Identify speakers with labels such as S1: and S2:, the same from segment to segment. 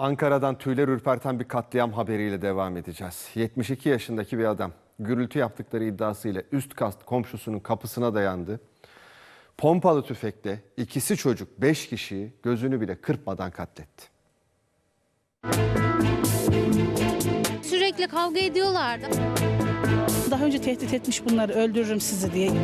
S1: Ankara'dan tüyler ürperten bir katliam haberiyle devam edeceğiz. 72 yaşındaki bir adam gürültü yaptıkları iddiasıyla üst kat komşusunun kapısına dayandı. Pompalı tüfekle ikisi çocuk 5 kişiyi gözünü bile kırpmadan katletti.
S2: Sürekli kavga ediyorlardı.
S3: Daha önce tehdit etmiş bunları, öldürürüm sizi diye.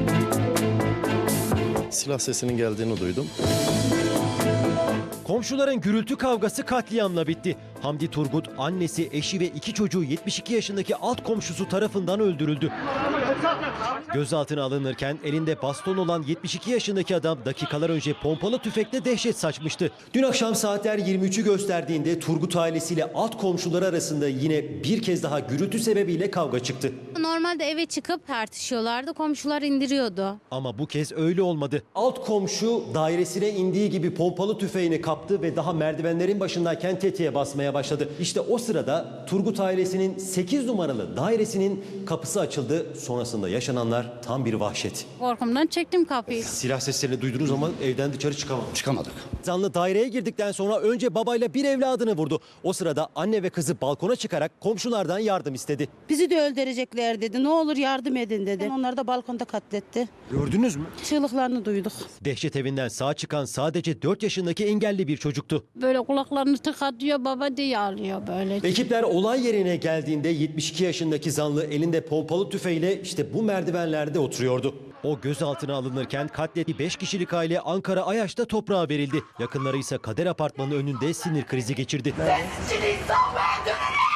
S4: Silah sesinin geldiğini duydum.
S5: Komşuların gürültü kavgası katliamla bitti. Hamdi Turgut, annesi, eşi ve 2 çocuğu 72 yaşındaki alt komşusu tarafından öldürüldü. Gözaltına alınırken elinde baston olan 72 yaşındaki adam dakikalar önce pompalı tüfekle dehşet saçmıştı. Dün akşam saatler 23'ü gösterdiğinde Turgut ailesiyle alt komşuları arasında yine bir kez daha gürültü sebebiyle kavga çıktı.
S2: Normalde eve çıkıp tartışıyorlardı. Komşular indiriyordu.
S5: Ama bu kez öyle olmadı. Alt komşu dairesine indiği gibi pompalı tüfeğini kaptı ve daha merdivenlerin başındayken tetiğe basmaya başladı. İşte o sırada Turgut ailesinin 8 numaralı dairesinin kapısı açıldı. Sonrasında yaşananlar tam bir vahşet.
S2: Korkumdan çektim kapıyı.
S5: Silah seslerini duydunuz ama evden dışarı
S6: Çıkamadık.
S5: Zanlı daireye girdikten sonra önce babayla bir evladını vurdu. O sırada anne ve kızı balkona çıkarak komşulardan yardım istedi.
S3: Bizi de öldürecekler dedi. Ne olur yardım edin dedi. Onları da balkonda katletti.
S5: Gördünüz mü?
S3: Çığlıklarını duyduk.
S5: Dehşet evinden sağ çıkan sadece 4 yaşındaki engelli bir çocuktu.
S7: Böyle kulaklarını tıkatıyor, baba diye ağlıyor böyle.
S5: Ekipler olay yerine geldiğinde 72 yaşındaki zanlı elinde pompalı tüfeğiyle işte bu merdivenlerde oturuyordu. O gözaltına alınırken katlettiği 5 kişilik aile Ankara Ayaş'ta toprağa verildi. Yakınları ise Kader Apartmanı önünde sinir krizi geçirdi.
S8: Sizin insan mı öldürürüm?